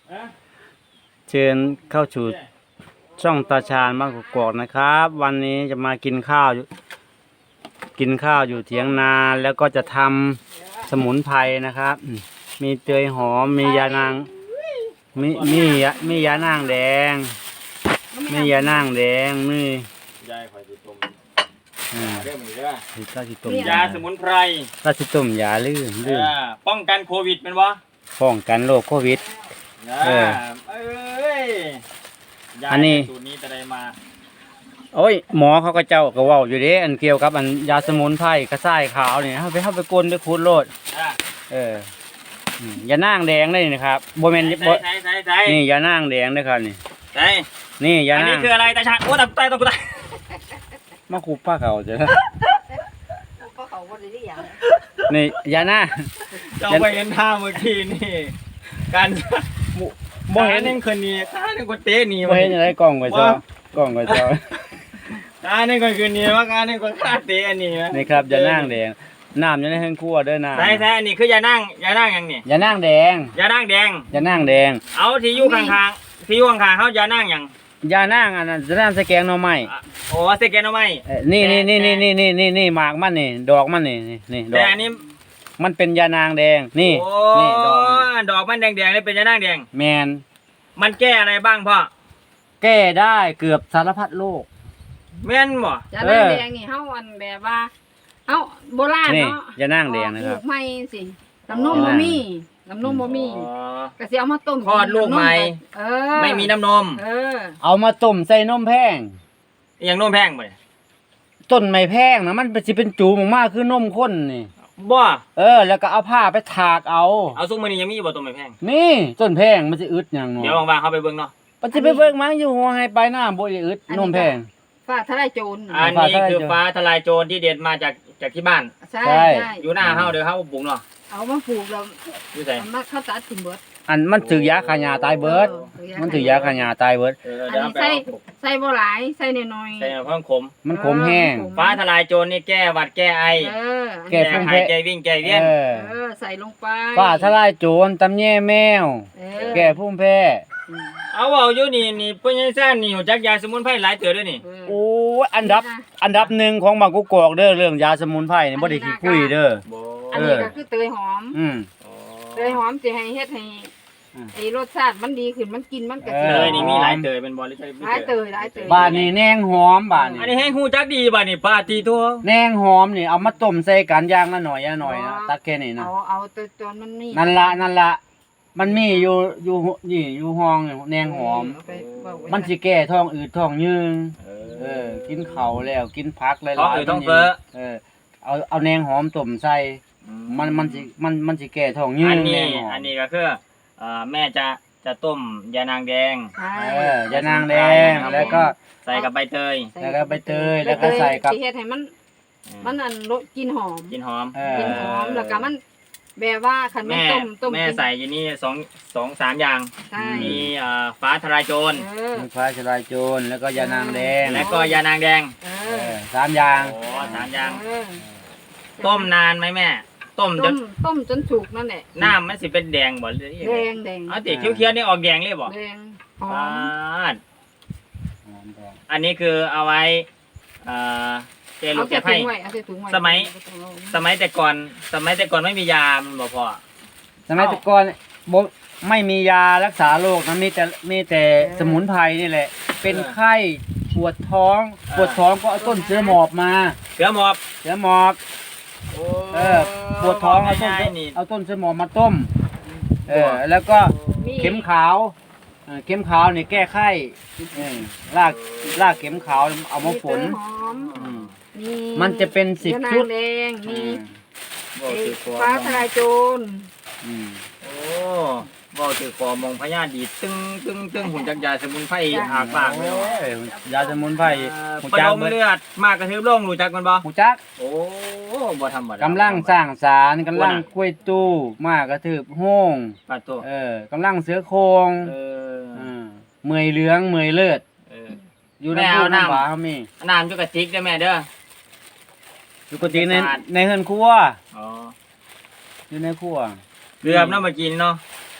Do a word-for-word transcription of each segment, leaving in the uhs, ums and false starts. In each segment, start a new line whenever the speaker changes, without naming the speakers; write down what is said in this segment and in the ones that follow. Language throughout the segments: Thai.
เชิญเข้าสู่ช่องตาชาญบ้านกกอกนะครับ วันนี้จะมากินข้าวกินข้าวอยู่เถียงนาแล้วก็จะทำสมุนไพรนะครับมีเตยหอมมียานางมีมีมียานางแดงมียานางแดงมี
ยายคอยติดต้ม
อ่า
เรื่องนี้เด้อ
ที่ข้าวที่ต้ม
ยาสมุนไพร
ข้าวที่ต้มยาลื่นลื่น
อ่าป้องกันโควิดเป็นวะ
ป้องกันโรคโควิด เออ
เอ้ยยา
อันนี้
สูตรนี้จะได้มา
โอ้ยหมอเขาก็เจ้าก็เว้าอยู่เด้อันเกี่ยวกับอันยาสมุนไพรกระส่ายขาวนี่เฮาไปเฮาไปกลนไปคูดโลด
อ่า
เอออืมยานางแดงเลยนะครับบ่แม่น
ใส่
บ่
ใส่ใส่ใส่
นี่ยานางแดงเด้อครับนี่
ใส่
นี่ยา
อัน
นา
นี้
ง
คืออะไรตาชาญโอ้ตายตายตายตาย
มาคูป้าเขาจ้ะ
ก็เขาบ่ได้อย่าง
นี่ยานาง
เจ้าไปเห็นท่าเมื่อกี้นี่การ
บ่เห็น
ตาหนึ่งคนนี้ตาหนึ่งคนเตะหนี
บ่เห็นอะไรกล้องไว้จ้อกล้องไว้จ้อ
ตาหนึ่งคนคืนนี้ว่าการหนึ่งคนฆ่าเตะอันนี้
นี่ครับยานางแดงน้ำอยู่ในเฮือนครัวเด้อน้ำ
ใช่ใช่อันนี้คือยานั่งยานั่งอย่างนี้
ยานางแดง
ยานั่งแดง
ยานางแดง
เอาที่อยู่ข้างๆที่อยู่ข้างๆเขายานั่งอย่าง
ยานางอันนั้นจะน้ำสแกงหน่อไม้
อ่ะโอ้สแกนเอาไหม
เอ่อนี่นี่นี่นี่นี่นี่นี่นี่หมากมันนี่ดอกมันนี่นี่นี่ดอ
แต่
ก
อันนี้
มันเป็นยานางแดงนี่
โอ้
นี่ดอกมัน
ดอกมันแดงๆเลยเป็นยานั่งแดง
แมน
มันแก้อะไรบ้างพ่อ
แก้ได้เกือบสารพัดโรค
แม่นบ่
จานางแดงนี่เฮาอันแบบว่าเฮาโบราณ
นี่
เนาะ
ยานางแดงนะครับ
ออกลูกใหม่สิน้ำนมบ่มีน้ำนมบ่มี
อ๋อ
ก็สิเอามาต้ม
คลอดลูกใหม่
เออ
ไม่มีน้ำนม
เออ
เอามาต้มใส่นมแพง
อหย่างนมแพงบ่เนี่ย
ต้นไม้แพงนะมันเป็นสิเป็นจูมากๆคือนมข้นนี่
บ่
เออ แล้วก็เอาผ้าไปถากเอา
เอาซุกมื้อนี้ยังมีบ่ตัวไม่แพง
นี่ต้นแพงมันจะอึดอย่างเนาะ
เดี๋ยวว่างๆเขาไปเบิ่งเนาะ
มันจะไปเบิ่งมันอยู่หัวให้ไปหน้าบ่ได้อึดนมแพง
ฟ้าทลายโจร
อันนี้คือฟ้าทลายโจรที่เด็ดมาจากจากที่บ้าน
ใช่
ใช่
ใช่
อยู่หน้าเฮาเดี๋ยวเฮาปลูกเนาะ
เอามาปลูกแล้ว
อยู่ไส
เอามาเข้าตัดถิ่นเบิด
อันมันถือยาขายาตายเบิด มันถือยาขายาตายเบิด
เออ
อัน
เดี๋ยว
นี้
เอาไป
ใส่
เอาปลูก
ใส่บ่หลายใส่น้อยๆ
ใส่เพิ่มขม
มันขมแห้ง
เออ
ฟ้าทลายโจรนี่แก้หวัดแก้ไอ
เออ
แก้
แก้
ฟุ้ง
ไข
แพ้
แก้วิ่งแก้เวียน
เออ
เออใส่ลงไป
ฝ้าทลายโจรตำแย่แมว
เออ
แก้ภูมิแพ้
อืม
เอาเว้าอยู่นี่นี่เพิ่นยังซ่านนี่รู้จักยาสมุนไพรหลายเตือด้วยนี่
เออ
โอ้ยอันดับ อันดับหนึ่งของบางกุกกอกเด้อเรื่องยาสมุนไพรนี่บ่ได้ขี้คุยเด้อ
บ่
อันนี้ก็คือเตยหอม
อืม
เตยหอมสิให้เฮ็ดให้
อืม
ไอ้รสชาติมันดีขึ้นมันกินมันก็
เอ
สิ
อ
เตยนี่มีหลายเตยเป็นบ่หรือใช่
หลายเตยหลายเตย
บ้านนี้แนงหอมบ้าน
อัน
นี้
นี้ให้ฮู้จักดีบ่นี่ป้าตีทั่ว
แนงหอมนี่เอามาต้มใส่กันอย่างละหน่อยละหน่อยนะตัดแค่นี้นะ
เอาเอาตัวตนมันนี่
นั่นละนั่นละมันมีอยู่อยู่นี่อยู่ห้องนี่แนงหอม
เาไปเว้าไว้
มันสิแก้ท้องอืดท้องยืง
เอ
เออ กินข้าวแล้วกินผักหลายๆ
ท้องอืดท้องเฟ้อ
เออเอาเอาแนงหอมต้มใส่มันมันสิมันมันสิแก้ท้องยื
อั
ง
น
แน
นี้
งหอม
อันนี้ก็คือเอ่อแม่จะจะต้มยานางแดง
ใช่
เออยานางแดงแล้วก็
ใส่กับใบเตย
แล้วก็ใบเตยแล้วก็ใส่กับ
สิเฮ็ดให้มันมันอันรสกลินหอม
กินหอม
เออก
ลินหอมแล้วก็มันแบบว่าคันมัน
แม่
ต้มต้ม
แม่
กิน
ใส่อยู่นี่สองสองสามอย่าง
ใช่
มีเอ่อฟ้าทลายโจร
เออ
มีฟ้าชลายโจรแล้วก็ยานางแดง
และก็ยานางแดง
เอ
เอ
อ
อสามอย่าง
โอ้สามอย่าง
เออ
ต้มนานไหมแม่ ต้มจ
ต้
น
มต้มจนสุกนั่นแหละ
น้ำมันสิเป็นแดงบ่หรือยัง
แด
ไง
งแดง
เอาติเขียวๆนี่ออกแดงเลยบ่
แดงหอ
อ่
มา
อันนี้คือเอาไว้เอ่อเจลู
เอา
ก
ใส่
เก็บ
ถุ
ให้
งไว้เอาใส่ถุงไว้
สมัย สมัยแต่ก่อน สมัยแต่ก่อนไม่มียามันบ่พอ
สมัยแต่ก่อนบ่ไม่มียารักษาโรคนะมีแต่มีแต่สมุนไพรนี่แหละ เป็นไข้ปวดท้องปวดท้องก็เอาต้นเสือหมอบมา
เสือหมอบ
เสือหมอบเออปวดท้องเอาต้น
ง่ายๆนี่
เอาต้นเสือหมอบมาต้มเออแล้วก็ เข็มขาวเอ่อเข็มขาวนี่แก้ไข้เออรากรากเข็มขาวเอามาฝน
หอม
อืม
มี
มันจะเป็นสิบ
ยานาง
ชุด
แดงมี
บ่
ไอ้
ถือคอ
ฟ้าทลายโจร
อืม
โอ้บ่ถือคอมองพญาดีดตึ้งตึ้งตึ้งหุ่นจักยาสมุนไพรอากปากเลย
โอ้ยยาสมุนไพรหู
ประ
จัก
ดม
เบิด
เลือดมากกระทืบลงรู้จักมันบ่
หูจัก
โอ้บ่ธรรมดาก
ำลังสร้างสารกำลังกล้วยตู้มากกระถืบโห้ง
ปาดตัว
เออกำลังเสือโครง
เออ
เออเมื่อยเหลืองเมื่อยเลือด
เออ
อยู่
แม่
ใน
เอา
ผู้
น้ำ
น้ำหวาเขามี
เอาน้ำอยู่กระติกเด้อแม่เด้อ
อยู่กติใน
สะอาด
ในเฮือนครัว
อ๋อ
อยู่ในครัว
เกือบเนาะเมื่อกี้นี่เนาะ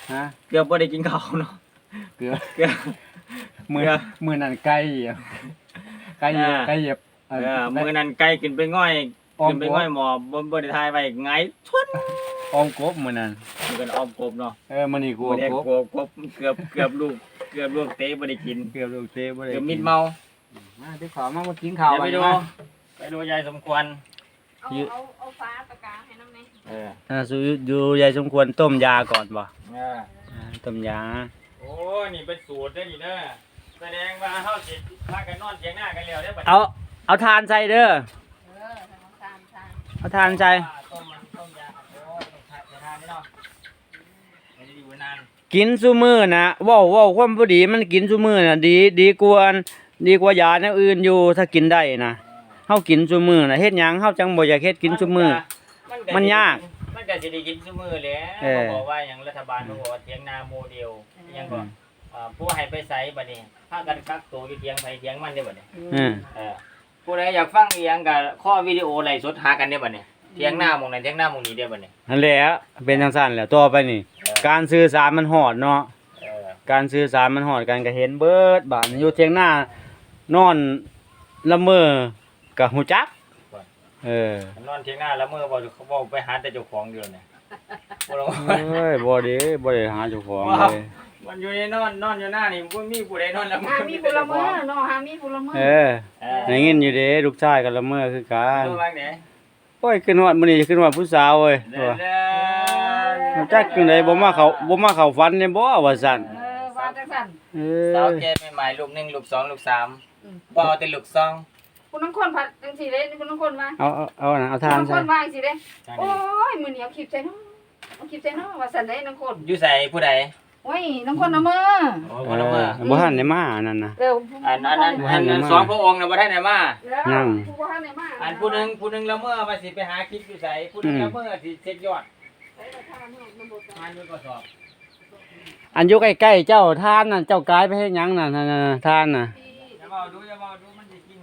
ฮะ
เกือบบ่ได้กินข้าวเนาะ
เกลือ
เกือบ
มือ
เกลือ
มือนั่นไก่เหยียบไก่เหยียบ
อ่า
ไก่เหยียบ
เออมื้อนั้นไก่ขึ้นไปง่อย
อ้อม
ขึ้นไป
กบ
ง่อยหมอบ่บ่ได้ทายไว้ไงชวน
อ้อมกบมือนั่น
อยู่กันอ้อมกบเนาะ
เออมันนี่กู
บ่ได้
กบ
กบกบเกือบเกือบลูกเกือบลูกเตะบ่ได้กิน
เกือบลูกเตะบ่ได้
เกือบ
กิน
มิดเมา
มาที่ขอมามากินข้าว
เดี๋ยวไปดู
มา
ไปดูยายสมควร
เอา
ยื
เอาเอาฟ้าตะกร้าให้น้ำไหม
เออ
อ่าสูดูยายสมควรต้มยาก่อนบ่
เออ
อ่าต้มยา
โอ้นี่เป็นสูตรเด้อนี่เด้อแสดงว่าเฮาสิพากันนอนเถียงหน้ากันแล้วเด้อบัดนี้
เอาเอาทานใส่เด้อ
เออทำน้ำตาลทาน
เอาทานใส่
ต้มมันต้มยาโอ้ต้องทานจะทานนี่เนาะไม่ได้อยู่นาน
กินซุมื้อนะเว้าเว้าความบ่ดีมันกินซุมื้อน่ะดีดีกว่าดีกว่ายาแนวอื่นอยู่ถ้ากินได้นะเฮากินซุมื้อน่ะเฮ็ดหยังเฮาจังบ่อยากเฮ็ดกินซุมื้อ
ก็
มันยาก
มันก็สิได้กินซุมื้อแหล้ว
เออ
บอกว่าหยังรัฐบาลเขาบอกว่าเถียงนาโมเดลอิหยังก็อ่าผู้ให้ไปไสบัดนี้พากันกักตัวอยู่เถียงไผเถียงมันเด้อบัดนี้
อืม
เออผู้ใดอยากฟังอีหยังก็ข้อวิดีโอไลฟ์สดหากันเด้อบัดนี้เถียงหน้าหม่องนั้นเถียงหน้าหม่องนี้เด้อบัดนี้
นั่นแหละเป็นจังซั่นแหละต่อไปนี่
เออ
การสื่อสารมันฮอดเนาะ
เออ
การสื่อสารมันฮอดกันก็เห็นเบิดบาดนี้อยู่เถียงหน้านอนละเมอก็ฮู้จักเออ
นอนเถียงหน้าแล้วมื้อบ่เขาบอกไปหาแต่เจ้าของอยู่เนี่ยบ่ลง
เอ้ยบ่ได้บ่ได้หาเจ้าของเลย
มันอยู่ในนอนนอนอยู่หน้านี่บ่มีผู้ใดนอนแล้ว
หามีผลเมือเนาะหามีผลเมือ
เออ
เอ
ได้ยินอยู่เด้ลูกชายก็ละเมอคือกัน
ดูบ้างเด้
โอ้ยขึ้นฮอดมื้อนี้ขึ้นฮอดผู้สาวเว้ย
เด้อ
ว่าจักจังไดบ่มาเข้าบ่มาเข้าฝันเนี่ยบ่ว่าซั่น
เออว่าจังซั่น
เอ
สาว
อ
แก่ใหม่ๆลูกหนึ่งลูกสองลูกสาม
อืม
บ่เอาแต่ลูกสอง
คุณน้องคนผัดจังซี่เด้คุณน้องคนว่า
เอาเอาเอาน่ะเอา
คุณ
ทาน
น้องค
ใส่
นว่าจังซี่เด้
จัง
โอ้
นี้
ยมื้อนี้เอาคลิปใส่เนาะเอาคลิปใส่เนาะว่าซั่นเด้น้องคน
อยู่ใส่ผู้ใด
โอ้ยน้องคนเอามือ
โอ้
เอ
บ่ละ
อ
เมื่อ
บ่ทันได้มาอันนั้นน่ะ
เร็ว
อันอันนั้นอันนั้นสองพระองค์น่ะบ่ได้ไหนมา
นั่ง
ผู้บ่ทันได้มา
อันผู้หนึงผู้หนึงละเมื่อว่าสิไปหาคลิปอยู่ไสผู้หนึงละเมื่อสิเช็คยอด
ไปแต่ทานเนาะมันบ่
งานอยู่ก็สอบ
อันอยู่ใกล้ๆเจ้าทานน่ะเจ้ากายไปเฮ็ดหยังน่ะนั่นน่ะทานน่ะ
อย่าเว้าดูอย่าเว้าดูมันสิกินหู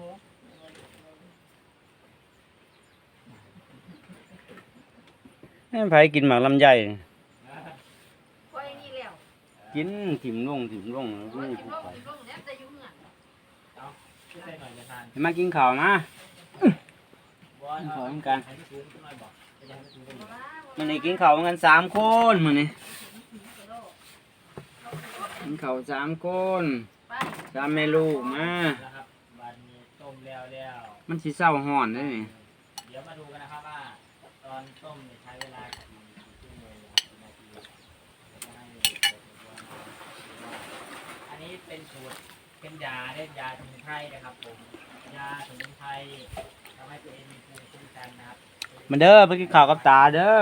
ให้ไผกินหมากลำไย
โอ้ยนี่แล้ว
กินถิ่มลงถิ่มลงแล้ว
โอ้ย
นี่
กิน
ผู้
ลง
ไป
กินลงแล้วแต่อยู่เฮือน
เอาขึ้นใส่หน่อยจะทาน
ให้มากินข้าวนะ
บ่
กิน
เอา
ข้าวเหมือนกัน
ให้สูงขึ้นหน่อยบ่จะให้สูงขึ้นหน่อย
มื้อนี้กินข้าวกันสามคนมื้อนี้กินข้าวสามคน
ไป
สามแม่ลูกมา
นะครับบัดนี้ต้มแล้วแล้ว
มันสิเศร้าฮ้อนเด้อนี่
เดี๋ยวมาดูกันนะครับว่าตอนต้มเนี่ยใช้เวลากี่ชั่วโมงกี่นาทีจะให้ดูอันนี้เป็นสูตรเป็นยาเรียกยาสมุนไพรนะครับผมยาสมุนไพรทำให้ตัวเองมีภูมิคุ้มกันนะครับ
มาเด้อไปกินข้าวกับตาเด้อ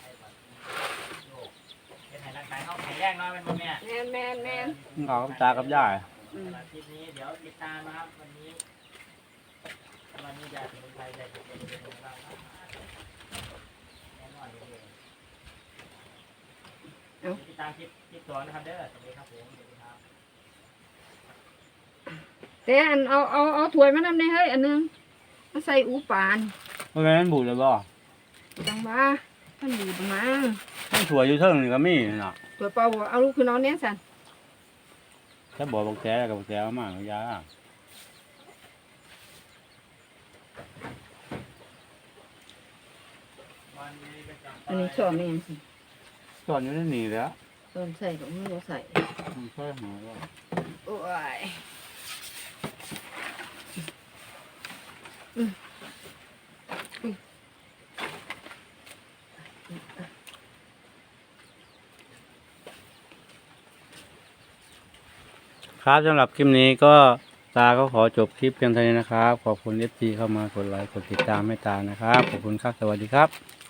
เป็นไงร่างกายเขาแข็งแรงน้อยเป็นพ่อแม่
แม่นแม่นแม่น
กินข้าวกับตากับยาย
อืม
สำหรับคลิปนี้เดี๋ยวติดตามนะครับวันนี้วันนี้ยาสมุนไพรจะเป็นยังไงบ้างครับแน่นอนเลยติดตามคลิปคลิปสองนะครับเด้อสวัสดีครับผมสวัสดีครับ
แต่อันเอาเอาเอาถ้วยมานำได้เฮ้ยอันหนึงมาใส่อูปาน
บ่แม่นบูดเลยบ่
จังว่ามันดีประมาณ
มันถั่วอยู่เทิงนี่ก็มีน่ะ
ถ้วยเปล่าบ่เอาลูกคือนอนเนี่ยสั่น
ถ้าบอกบักแท้กับบักแท้มากก็ยา
วันนี้เป็นการ
อันนี้ชอบแม่นสิ
สอนอยู่ในนี่แหล้ว
ต้นใส่ของมือบ่ใส่
มันช่วยหาว่า
โอ้ย
ครับสำหรับคลิปนี้ก็ตาก็ขอจบคลิปเพียงเท่านี้นะครับ ขอบคุณ เอฟ ซี เข้ามากดไลค์กดติดตามให้ตานะครับ ขอบคุณครับ สวัสดีครับ